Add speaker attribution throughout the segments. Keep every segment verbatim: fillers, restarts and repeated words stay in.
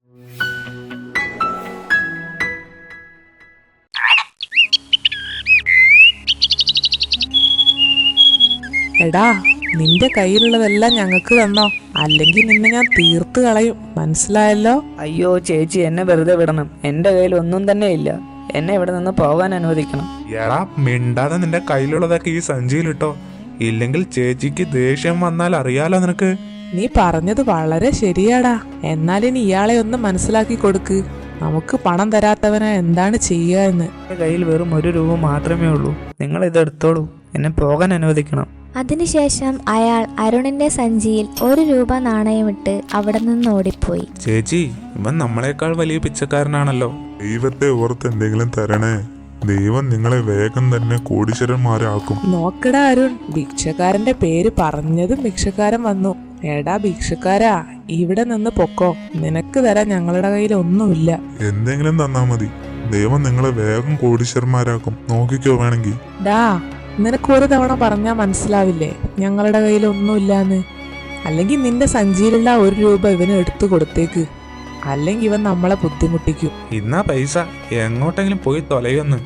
Speaker 1: എടാ, നിന്റെ കയ്യിലുള്ളതെല്ലാം ഞങ്ങൾക്ക് തന്നോ, അല്ലെങ്കിൽ നിന്നെ ഞാൻ തീർത്ത് കളയും, മനസ്സിലായല്ലോ?
Speaker 2: അയ്യോ ചേച്ചി, എന്നെ വെറുതെ വിടണം. എന്റെ കയ്യിൽ ഒന്നും തന്നെ ഇല്ല. എന്നെ ഇവിടെ നിന്ന് പോകാൻ അനുവദിക്കണം.
Speaker 3: എടാ, മിണ്ടാതെ നിന്റെ കയ്യിലുള്ളതൊക്കെ ഈ സഞ്ചിയിലിട്ടോ, ഇല്ലെങ്കിൽ ചേച്ചിക്ക് ദേഷ്യം വന്നാൽ അറിയാലോ നിനക്ക്.
Speaker 1: നീ പറഞ്ഞത് വളരെ ശരിയാടാ. എന്നാലിനി ഇയാളെ ഒന്ന് മനസ്സിലാക്കി കൊടുക്ക്. നമുക്ക് പണം തരാത്തവനാ എന്താണ് ചെയ്യുക എന്ന്.
Speaker 2: എന്റെ കയ്യിൽ വെറും ഒരു രൂപ മാത്രമേ ഉള്ളൂ. നിങ്ങൾ ഇതെടുത്തോളൂ, എന്നെ പോകാൻ അനുവദിക്കണം.
Speaker 4: അതിനുശേഷം അയാൾ അരുണിന്റെ സഞ്ചിയിൽ ഒരു രൂപ നാണയമിട്ട് അവിടെ നിന്ന് ഓടിപ്പോയി.
Speaker 3: ചേച്ചി, ഇവൻ നമ്മളെക്കാൾ വലിയ പിച്ചക്കാരനാണല്ലോ.
Speaker 5: ദൈവത്തെ ഓർത്ത് എന്തെങ്കിലും തരണേ. ദൈവം നിങ്ങളെ വേഗം തന്നെ കോടീശ്വരന്മാരാക്കും.
Speaker 1: നോക്കടാ അരുൺ, ഭിക്ഷക്കാരന്റെ പേര് പറഞ്ഞതും ഭിക്ഷക്കാരൻ വന്നു. എടാ ഭിക്ഷക്കാരാ, ഇവിടെ നിന്ന് പൊക്കോ, നിനക്ക് തരാൻ ഞങ്ങളുടെ കയ്യിൽ ഒന്നുമില്ല.
Speaker 5: എന്തെങ്കിലും തന്നാ മതി, ദൈവം നിങ്ങളെ വേഗം കോടീശ്വരന്മാരാക്കും. നോക്കിക്കോ വേണമെങ്കിൽ.
Speaker 1: ഡാ, നിനക്ക് ഒരു തവണ പറഞ്ഞാൽ മനസ്സിലാവില്ലേ ഞങ്ങളുടെ കയ്യിൽ ഒന്നുമില്ലാന്ന്? അല്ലെങ്കിൽ നിന്റെ സഞ്ചിയിലുള്ള ഒരു രൂപ ഇവന് എടുത്തു കൊടുത്തേക്ക്, അല്ലെങ്കിൽ ഇവൻ നമ്മളെ ബുദ്ധിമുട്ടിക്കും.
Speaker 3: ഇന്നാ പൈസ, എങ്ങോട്ടെങ്കിലും പോയി തൊലയൊന്ന്.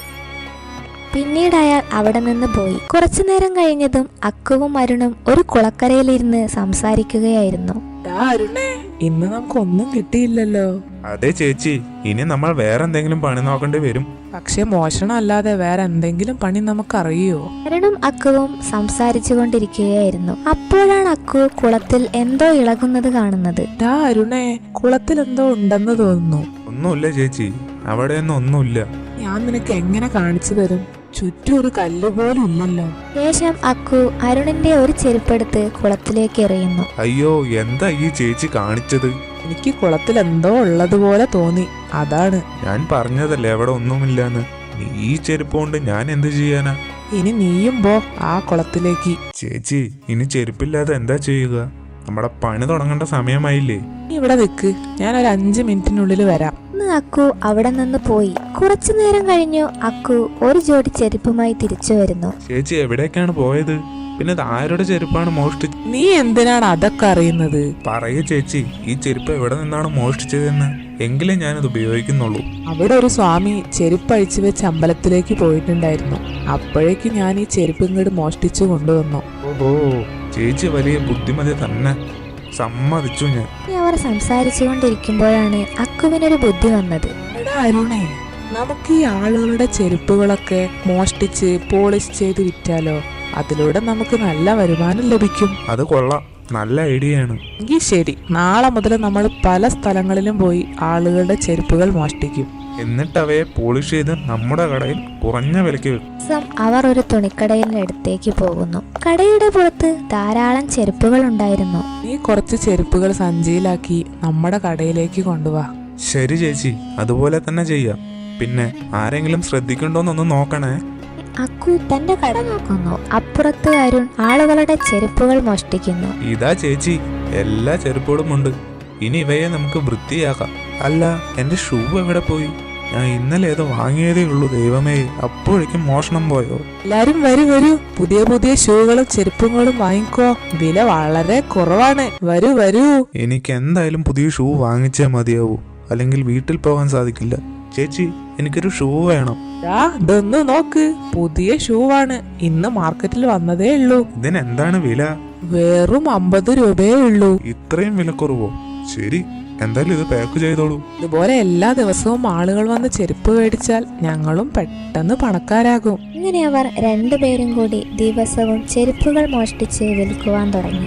Speaker 4: പിന്നീട് അയാൾ അവിടെ നിന്ന് പോയി. കുറച്ചു നേരം കഴിഞ്ഞതും അക്കുവും അരുണും ഒരു കുളക്കരയിലിരുന്ന് സംസാരിക്കുകയായിരുന്നു.
Speaker 1: ഡാ അരുണേ, ഇന്ന് നമുക്കൊന്നും കിട്ടിയില്ലല്ലോ.
Speaker 3: അതെ ചേച്ചി, ഇനി നമ്മൾ വേറെ എന്തെങ്കിലും പണി നോക്കേണ്ടി വരും.
Speaker 1: പക്ഷെ മോഷണം അല്ലാതെ വേറെ എന്തെങ്കിലും പണി നമുക്കറിയോ?
Speaker 4: അരുണും അക്കുവും സംസാരിച്ചു കൊണ്ടിരിക്കുകയായിരുന്നു. അപ്പോഴാണ് അക്കു കുളത്തിൽ എന്തോ ഇളകുന്നത് കാണുന്നത്.
Speaker 1: ഡാ അരുണേ, കുളത്തിൽ എന്തോ ഉണ്ടെന്ന് തോന്നുന്നു.
Speaker 3: ഒന്നുമില്ല ചേച്ചി, അവിടെയൊന്നും ഒന്നുമില്ല.
Speaker 1: ഞാൻ നിനക്ക് എങ്ങനെ കാണിച്ചു തരും? ചുറ്റും ഒരു കല്ല് പോലും ഇല്ലല്ലോ.
Speaker 4: ശേഷം അക്കു അരുണിന്റെ ഒരു ചെരുപ്പെടുത്ത് കുളത്തിലേക്ക് എറിയുന്നു.
Speaker 3: അയ്യോ, എന്താ ഈ ചേച്ചി കാണിച്ചത്?
Speaker 1: എനിക്ക് കുളത്തിൽ എന്തോ ഉള്ളതുപോലെ തോന്നി, അതാണ്.
Speaker 3: ഞാൻ പറഞ്ഞതല്ലേ അവിടെ ഒന്നുമില്ലാന്ന്. ഈ ചെരുപ്പ് കൊണ്ട് ഞാൻ എന്ത് ചെയ്യാനാ?
Speaker 1: ഇനി നീയും പോ ആ കുളത്തിലേക്ക്.
Speaker 3: ചേച്ചി, ഇനി ചെരുപ്പില്ലാതെ എന്താ ചെയ്യുക? നമ്മുടെ പണി തുടങ്ങേണ്ട സമയമായില്ലേ?
Speaker 1: നീ ഇവിടെ നിൽക്ക്, ഞാൻ ഒരു അഞ്ച് മിനിറ്റിനുള്ളിൽ വരാം.
Speaker 4: അക്കു അവിടെ നിന്ന് പോയി. കുറച്ചു നേരം കഴിഞ്ഞു അക്കു ഒരു ജോഡി ചെരുപ്പുമായി തിരിച്ചു വരുന്നു.
Speaker 3: ചേച്ചി എവിടേക്കാണ് പോയത്? പിന്നെ ഇത് ആരുടെ ചെരുപ്പാണ് മോഷ്ടിച്ചത്?
Speaker 1: നീ എന്തിനാണ് അതൊക്കെ അറിയുന്നത്?
Speaker 3: പറയൂ ചേച്ചി, ഈ ചെരുപ്പ് എവിടെ നിന്നാണ് മോഷ്ടിച്ചതെന്ന്, എങ്കിലേ ഞാനത് ഉപയോഗിക്കുന്നുള്ളൂ.
Speaker 1: അവിടെ ഒരു സ്വാമി ചെരുപ്പ് അഴിച്ചു വെച്ച് അമ്പലത്തിലേക്ക് പോയിട്ടുണ്ടായിരുന്നു. അപ്പോഴേക്കും ഞാൻ ഈ ചെരുപ്പ് ഇങ്ങോട്ട് മോഷ്ടിച്ചു കൊണ്ടുവന്നു.
Speaker 3: ഓഹോ, ചേച്ചി വലിയ ബുദ്ധിമതി തന്നെ, സമ്മതിച്ചു ഞാൻ.
Speaker 4: അവർ സംസാരിച്ചു കൊണ്ടിരിക്കുമ്പോഴാണ് അക്കുവിനൊരു ബുദ്ധി വന്നത്.
Speaker 1: എടാ അരുണേ, നമുക്ക് ഈ ആളുകളുടെ ചെരുപ്പുകളൊക്കെ മോഷ്ടിച്ച് പോളിഷ് ചെയ്ത് വിറ്റാലോ? അതിലൂടെ നമുക്ക് നല്ല വരുമാനം ലഭിക്കും.
Speaker 3: അത് കൊള്ളാം, നല്ല ഐഡിയ ആണ്.
Speaker 1: എങ്കിൽ ശരി, നാളെ മുതൽ നമ്മൾ പല സ്ഥലങ്ങളിലും പോയി ആളുകളുടെ ചെരുപ്പുകൾ മോഷ്ടിക്കും.
Speaker 3: എന്നിട്ട് അവയെ പോളിഷ് ചെയ്ത് നമ്മുടെ കടയിൽ കുറഞ്ഞ വിലയ്ക്ക് വിൽക്കും.
Speaker 4: അവർ ഒരു തുണിക്കടയുടെ അടുത്തേക്ക് പോകുന്നു. കടയുടെ പുറത്ത് ധാരാളം ചെരുപ്പുകൾ ഉണ്ടായിരുന്നു.
Speaker 1: നീ കുറച്ച് ചെരുപ്പുകൾ സഞ്ചിയിലാക്കി നമ്മുടെ കടയിലേക്ക് കൊണ്ടുപോവാ.
Speaker 3: ശരി ചേച്ചി, അതുപോലെ തന്നെ ചെയ്യാം. പിന്നെ ആരെങ്കിലും ശ്രദ്ധിക്കണ്ടോന്നൊന്ന് നോക്കണേ.
Speaker 4: അക്കു തന്റെ കട നോക്കുന്നു. അപ്പുറത്ത് അരുൺ ആളുകളുടെ ചെരുപ്പുകൾ മോഷ്ടിക്കുന്നു.
Speaker 3: ഇതാ ചേച്ചി, എല്ലാ ചെരുപ്പുകളും ഉണ്ട്. ഇനി ഇവയെ നമുക്ക് വൃത്തിയാക്കാം. അല്ല, എന്റെ ഷൂ എവിടെ പോയി? ഞാൻ ഇന്നലെ ഏതോ വാങ്ങിയതേ ഉള്ളൂ. ദൈവമേ, അപ്പോഴേക്കും മോഷണം പോയോ?
Speaker 1: എല്ലാരും വരൂ വരൂ, പുതിയ പുതിയ ഷൂകളും ചെരുപ്പുകളും വാങ്ങിക്കോ, വില വളരെ കുറവാണ്. വരൂ വരൂ.
Speaker 3: എനിക്ക് എന്തായാലും പുതിയ ഷൂ വാങ്ങിച്ചേ മതിയാവൂ, അല്ലെങ്കിൽ വീട്ടിൽ പോകാൻ സാധിക്കില്ല. ചേച്ചി, എനിക്കൊരു ഷൂ വേണം.
Speaker 1: ഇതൊന്ന് നോക്ക്, പുതിയ ഷൂ ആണ്, ഇന്ന് മാർക്കറ്റിൽ വന്നതേ ഉള്ളൂ.
Speaker 3: ഇതിനെന്താണ് വില?
Speaker 1: വെറും അമ്പത് രൂപയേ ഉള്ളൂ.
Speaker 3: ഇത്രയും വിലക്കുറവോ? ശരി, എന്തായാലും ഇത് പാക്ക് ചെയ്തോളൂ.
Speaker 1: ഇതുപോലെ എല്ലാ ദിവസവും ആളുകൾ വന്ന് ചെരുപ്പ് മേടിച്ചാൽ ഞങ്ങളും പെട്ടെന്ന് പണക്കാരാകും.
Speaker 4: ഇങ്ങനെ അവർ രണ്ടുപേരും കൂടി ദിവസവും ചെരുപ്പുകൾ മോഷ്ടിച്ച് വിൽക്കുവാൻ തുടങ്ങി.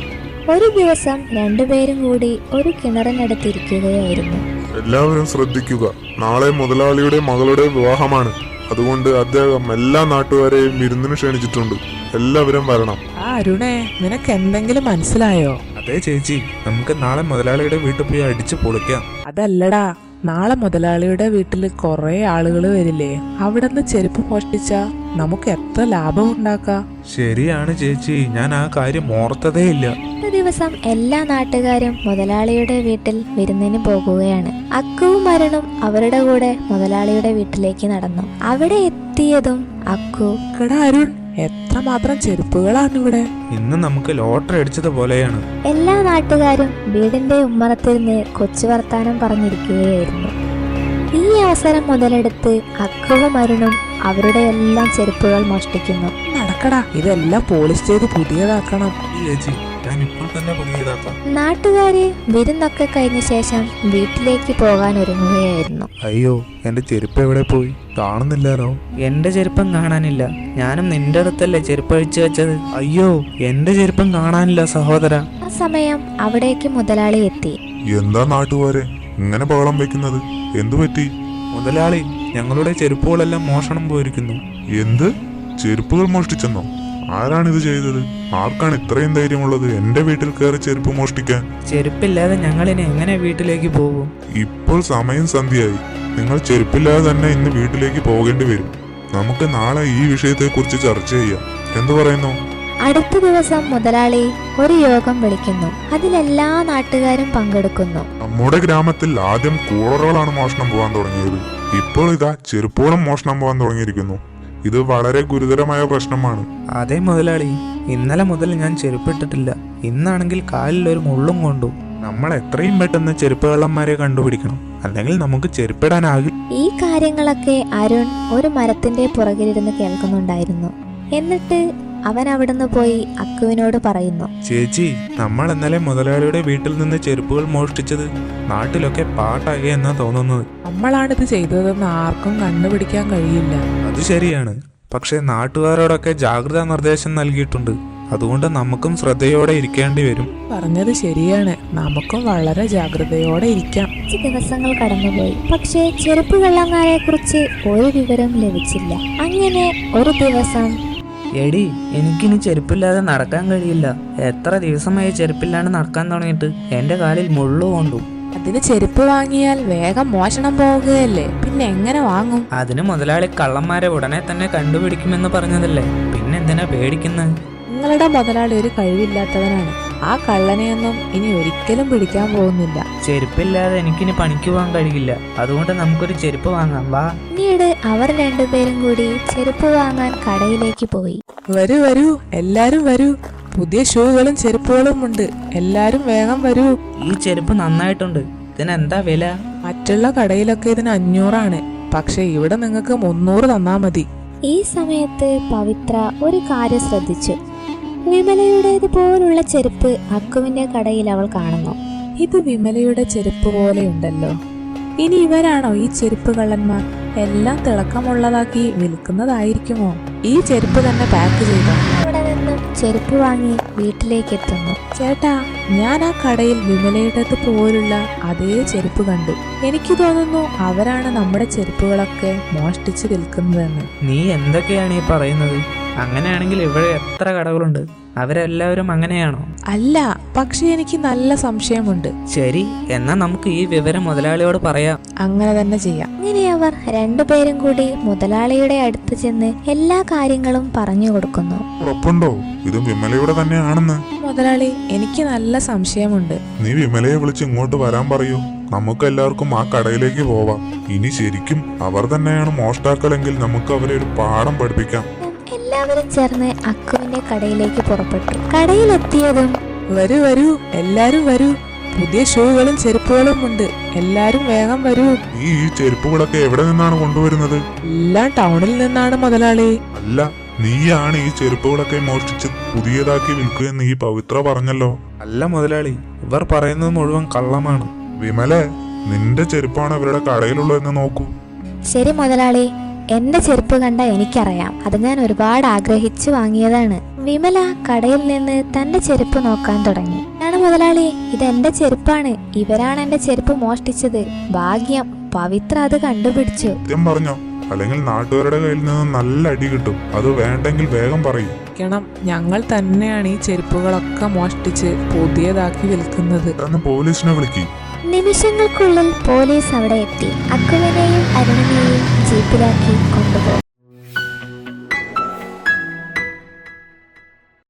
Speaker 4: ഒരു ദിവസം രണ്ടുപേരും കൂടി ഒരു കിണറിനടുത്തിരിക്കുകയായിരുന്നു.
Speaker 5: എല്ലാവരും ശ്രദ്ധിക്കുക, നാളെ മുതലാളിയുടെ മകളുടെ വിവാഹമാണ്. അതുകൊണ്ട് അദ്ദേഹം എല്ലാ നാട്ടുകാരെയും വിരുന്നിന് ക്ഷണിച്ചിട്ടുണ്ട്. എല്ലാവരും വരണം.
Speaker 1: ആ അരുണേ, നിനക്ക് എന്തെങ്കിലും മനസ്സിലായോ?
Speaker 3: അതെ ചേച്ചി, നമുക്ക് നാളെ മുതലാളിയുടെ വീട്ടിൽ പോയി അടിച്ചു പൊളിക്കാം.
Speaker 1: അതല്ലടാ, നാളെ മുതലാളിയുടെ വീട്ടിൽ കുറെ ആളുകൾ വരില്ലേ, അവിടെ നിന്ന് ചെരുപ്പ് മോഷ്ടിച്ചാ നമുക്ക് എത്ര ലാഭം ഉണ്ടാക്കാം.
Speaker 3: ശരിയാണ് ചേച്ചി, ഞാൻ ആ കാര്യം ഓർത്തതേ ഇല്ല.
Speaker 4: ഒരു ദിവസം എല്ലാ നാട്ടുകാരും മുതലാളിയുടെ വീട്ടിൽ വിരുന്നിന് പോകുകയാണ്. അക്കുവും അരുണും അവരുടെ കൂടെ മുതലാളിയുടെ വീട്ടിലേക്ക് നടന്നു. അവിടെ എത്തിയതും അക്കു,
Speaker 1: എടാ അരുൺ, എത്രമാത്രം ചെരുപ്പുകളാണ് ഇവിടെ.
Speaker 3: ഇന്ന് നമുക്ക് ലോട്ടറി അടിച്ചതുപോലെയാണ്.
Speaker 4: എല്ലാ നാട്ടുകാരും വീടിന്റെ ഉമ്മറത്തിരുന്ന് കൊച്ചു വർത്താനം പറഞ്ഞിരിക്കുകയായിരുന്നു. ഈ അവസരം മുതലെടുത്ത് അക്കുവും അരുണും അവരുടെ എല്ലാം ചെരുപ്പുകൾ മോഷ്ടിക്കുന്നു.
Speaker 1: നടക്കടാ, ഇതെല്ലാം പോളിഷ് ചെയ്ത് പുതിയതാക്കണം.
Speaker 3: ഈ ചേച്ചി, ഞാൻ ഇപ്പോൾ തന്നെ പുതിയതാക്കാം.
Speaker 4: നാട്ടുകാര് വിരുന്നൊക്കെ കഴിഞ്ഞ ശേഷം വീട്ടിലേക്ക് പോകാൻ ഒരുങ്ങുകയായിരുന്നു.
Speaker 3: അയ്യോ, എന്റെ ചെരുപ്പ് എവിടെ പോയി? കാണുന്നില്ലാലോ.
Speaker 2: എന്റെ ചെരുപ്പം കാണാനില്ല. ഞാനും നിന്റെ അടുത്തല്ലേ ചെരുപ്പ് അഴിച്ചു വെച്ചത്.
Speaker 3: അയ്യോ, എന്റെ ചെരുപ്പം കാണാനില്ല സഹോദര.
Speaker 4: ആ സമയം അവിടേക്ക് മുതലാളി എത്തി.
Speaker 5: എന്താ നാട്ടുകാരെ ഇങ്ങനെ ബഹളം വെക്കുന്നത്? എന്തു പറ്റി?
Speaker 3: മുതലാളി, ഞങ്ങളുടെ ചെരുപ്പുകളെല്ലാം മോഷണം പോയിരിക്കുന്നു.
Speaker 5: എന്ത്? ചെരുപ്പുകൾ മോഷ്ടിച്ചെന്നോ? ആരാണിത് ചെയ്തത്? ആർക്കാണ് ഇത്രയും ധൈര്യമുള്ളത് എന്റെ വീട്ടിൽ കയറി ചെരുപ്പ് മോഷ്ടിക്കാൻ?
Speaker 2: ചെരുപ്പില്ലാതെ ഞങ്ങളിനി എങ്ങനെ വീട്ടിലേക്ക് പോകും?
Speaker 5: ഇപ്പോൾ സമയം സന്ധ്യയായി. നിങ്ങൾ ചെരുപ്പില്ലാതെ തന്നെ ഇന്ന് വീട്ടിലേക്ക് പോകേണ്ടി വരും. നമുക്ക് നാളെ ഈ വിഷയത്തെക്കുറിച്ച് ചർച്ച ചെയ്യാം. എന്തു പറയുന്നു?
Speaker 4: അടുത്ത ദിവസം മുതലാളി ഒരു യോഗം വിളിക്കുന്നു. അതിലെല്ലാ നാട്ടുകാരും പങ്കെടുക്കുന്നു.
Speaker 5: നമ്മുടെ ഗ്രാമത്തിൽ ആദ്യം കൂളറുകളാണ് മോഷണം പോകാൻ തുടങ്ങിയത്. ഇപ്പോൾ ഇതാ ചെരുപ്പുകളും മോഷണം പോകാൻ തുടങ്ങിയിരിക്കുന്നു. ഇത് വളരെ ഗുരുതരമായ പ്രശ്നമാണ്.
Speaker 3: അതെ മുതലാളി, ഇന്നലെ മുതൽ ഞാൻ ചെരുപ്പിട്ടിട്ടില്ല. ഇന്നാണെങ്കിൽ കാലിൽ ഒരു മുള്ളും കൊണ്ടു. നമ്മൾ എത്രയും പെട്ടെന്ന് ചെരുപ്പ് കള്ളന്മാരെ കണ്ടുപിടിക്കണം, അല്ലെങ്കിൽ നമുക്ക് ചെരുപ്പിടാനാകില്ല.
Speaker 4: ഈ കാര്യങ്ങളൊക്കെ അരുൺ ഒരു മരത്തിന്റെ പുറകിലിരുന്ന് കേൾക്കുന്നുണ്ടായിരുന്നു. എന്നിട്ട് അവൻ അവിടുന്ന് പോയി അക്കുവിനോട് പറയുന്നു.
Speaker 3: ചേച്ചി, നമ്മൾ ഇന്നലെ മുതലാളിയുടെ വീട്ടിൽ നിന്ന് ചെരുപ്പുകൾ മോഷ്ടിച്ചത് നാട്ടിലൊക്കെ പാട്ടാകെ എന്നാ തോന്നുന്നത്.
Speaker 1: നമ്മളാണിത് ചെയ്തതെന്ന് ആർക്കും കണ്ടുപിടിക്കാൻ കഴിയില്ല.
Speaker 3: അത് ശരിയാണ്. പക്ഷെ നാട്ടുകാരോടൊക്കെ ജാഗ്രതാ നിർദ്ദേശം നൽകിയിട്ടുണ്ട്. അതുകൊണ്ട് നമുക്കും ശ്രദ്ധയോടെ ഇരിക്കേണ്ടി വരും.
Speaker 1: പറഞ്ഞത് ശരിയാണ്. നമുക്കും വളരെ ജാഗ്രതയോടെ ഇരിക്കാം.
Speaker 4: അഞ്ച് ദിവസങ്ങൾ കടന്നുപോയി. പക്ഷേ ചെരുപ്പ് കള്ളന്മാരെ കുറിച്ച് ഒരു വിവരം ലഭിച്ചില്ല. അങ്ങനെ ഒരു ദിവസം
Speaker 2: എടി, എനിക്കിനി ചെരുപ്പില്ലാതെ നടക്കാൻ കഴിയില്ല. എത്ര ദിവസമായി ചെരുപ്പില്ലാണ്ട് നടക്കാൻ തുടങ്ങിയിട്ട്. എന്റെ കാലിൽ മുള്ളു കൊണ്ടു.
Speaker 1: അതിന് ചെരുപ്പ് വാങ്ങിയാൽ വേഗം മോഷണം പോവുകയല്ലേ, പിന്നെ എങ്ങനെ വാങ്ങും?
Speaker 2: അതിന് മുതലാളി കള്ളന്മാരെ ഉടനെ തന്നെ കണ്ടുപിടിക്കുമെന്ന് പറഞ്ഞതല്ലേ, പിന്നെന്തിനാ പേടിക്കുന്നത്?
Speaker 1: നിങ്ങളുടെ മുതലാളി ഒരു കഴിവില്ലാത്തവനാണ്. ആ കള്ളനെയൊന്നും ഇനി ഒരിക്കലും പിടിക്കാൻ പോകുന്നില്ല.
Speaker 2: ചെരുപ്പില്ലാതെ എനിക്കിനി പണിക്ക് പോകാൻ കഴിയില്ല. അതുകൊണ്ട് നമുക്കൊരു ചെരുപ്പ് വാങ്ങാം, വാ.
Speaker 4: പിന്നീട് അവർ രണ്ടുപേരും കൂടി ചെരുപ്പ് വാങ്ങാൻ കടയിലേക്ക് പോയി.
Speaker 1: വരൂ വരൂ, എല്ലാരും വരൂ. പുതിയ ഷൂകളും ചെരുപ്പുകളും ഉണ്ട്. എല്ലാരും വേഗം വരൂ.
Speaker 2: ഈ ചെരുപ്പ് നന്നായിട്ടുണ്ട്. ഇതിനെന്താ വില?
Speaker 1: മറ്റുള്ള കടയിലൊക്കെ ഇതിന് അഞ്ഞൂറാണ്. പക്ഷെ ഇവിടെ നിങ്ങൾക്ക് മുന്നൂറ് തന്നാ മതി.
Speaker 4: ഈ സമയത്ത് പവിത്ര ഒരു കാര്യം ശ്രദ്ധിച്ചു. വിമലയുടേത് പോലുള്ള ചെരുപ്പ് അക്കുവിന്റെ കടയിൽ അവൾ കാണുന്നു.
Speaker 1: ഇത് വിമലയുടെ ചെരുപ്പ് പോലെയുണ്ടല്ലോ. ഇനി ഇവരാണോ ഈ ചെരുപ്പ് കള്ളന്മാർ? എല്ലാം തിളക്കമുള്ളതാക്കി വിൽക്കുന്നതായിരിക്കുമോ? ഈ ചെരുപ്പ് തന്നെ പാക്ക് ചെയ്തോ.
Speaker 4: അവിടെ നിന്നും ചെരുപ്പ് വാങ്ങി വീട്ടിലേക്ക് എത്തുന്നു.
Speaker 1: ചേട്ടാ, ഞാൻ ആ കടയിൽ വിമലയുടേത് പോലുള്ള അതേ ചെരുപ്പ് കണ്ടു. എനിക്ക് തോന്നുന്നു അവരാണ് നമ്മുടെ ചെരുപ്പുകളൊക്കെ മോഷ്ടിച്ച് വിൽക്കുന്നതെന്ന്.
Speaker 2: നീ എന്തൊക്കെയാണ് ഈ പറയുന്നത്? അങ്ങനെയാണെങ്കിൽ ഇവിടെ എത്ര കടകളുണ്ട്. അവരെല്ലാവരും അങ്ങനെയാണോ?
Speaker 1: അല്ല, പക്ഷെ എനിക്ക് നല്ല സംശയമുണ്ട്.
Speaker 2: ശരി, എന്നാ നമുക്ക് ഈ വിവരം മുതലാളിയോട് പറയാം.
Speaker 1: അങ്ങനെ തന്നെ ചെയ്യാം.
Speaker 4: അങ്ങനെ അവർ രണ്ടുപേരും കൂടി മുതലാളിയുടെ അടുത്ത് ചെന്ന് എല്ലാ കാര്യങ്ങളും പറഞ്ഞു കൊടുക്കുന്നു.
Speaker 5: ഉറപ്പുണ്ടോ ഇത് വിമലയുടെ തന്നെയാണെന്ന്?
Speaker 1: മുതലാളി, എനിക്ക് നല്ല സംശയമുണ്ട്.
Speaker 5: നീ വിമലയെ വിളിച്ച് ഇങ്ങോട്ട് വരാൻ പറയൂ. നമുക്ക് എല്ലാവർക്കും ആ കടയിലേക്ക് പോവാം. ഇനി ശരിക്കും അവർ തന്നെയാണ് മോഷ്ടാക്കളെങ്കിൽ നമുക്ക് അവരെ ഒരു പാഠം പഠിപ്പിക്കാം.
Speaker 4: എല്ലാവരും ചേർന്ന് അക്കുവിന്റെ കടയിലേക്ക് പുറപ്പെട്ടു. കടയിലെത്തിയതും
Speaker 1: വരൂ വരൂ, എല്ലാരും വരൂ. പുതിയ ഷൂകളും ചെരുപ്പുകളും ഉണ്ട്. എല്ലാരും വേഗം വരൂ.
Speaker 5: നീ ഈ ചെരുപ്പുകളൊക്കെ എവിടെ നിന്നാണ് കൊണ്ടുവരുന്നത്?
Speaker 1: എല്ലാം ടൗണിൽ നിന്നാണ് മുതലാളി.
Speaker 5: അല്ല, നീയാണ് ഈ ചെരുപ്പുകളൊക്കെ മോഷ്ടിച്ച് പുതിയതാക്കി വിൽക്കുകയെന്ന് ഈ പവിത്ര പറഞ്ഞല്ലോ.
Speaker 3: അല്ല മുതലാളി, ഇവർ പറയുന്നത് മുഴുവൻ കള്ളമാണ്.
Speaker 5: വിമലെ, നിന്റെ ചെരുപ്പാണ് ഇവരുടെ കടയിലുള്ളതെന്ന് നോക്കൂ.
Speaker 4: ശരി മുതലാളി, എന്റെ ചെരുപ്പ് കണ്ട എനിക്കറിയാം. അത് ഞാൻ ഒരുപാട് ആഗ്രഹിച്ചു വാങ്ങിയതാണ്. വിമല കടയിൽ നിന്ന് തന്റെ ചെരുപ്പ് നോക്കാൻ തുടങ്ങി. ആണ് മുതലാളി, ഇത് എന്റെ ചെരുപ്പാണ്. ഇവരാണ് എന്റെ ചെരുപ്പ് മോഷ്ടിച്ചത്. ഭാഗ്യം, പവിത്ര അത് കണ്ടുപിടിച്ചു.
Speaker 5: സത്യം പറഞ്ഞോ? അല്ലെങ്കിൽ നാട്ടുകാരുടെ കയ്യിൽ നിന്ന് നല്ല അടി കിട്ടും. അത് വേണ്ടെങ്കിൽ വേഗം പറയും.
Speaker 1: ഞങ്ങൾ തന്നെയാണ് ഈ ചെരുപ്പുകളൊക്കെ മോഷ്ടിച്ച് പുതിയതാക്കി വിൽക്കുന്നത്.
Speaker 5: എന്ന് പോലീസിനെ വിളിക്കും.
Speaker 4: നിമിഷങ്ങൾക്കുള്ളിൽ പോലീസ് അവിടെ എത്തി. അക്കുവിനെയും അരുണിനെയും ജീപ്പിലാക്കി കൊണ്ടുപോയി.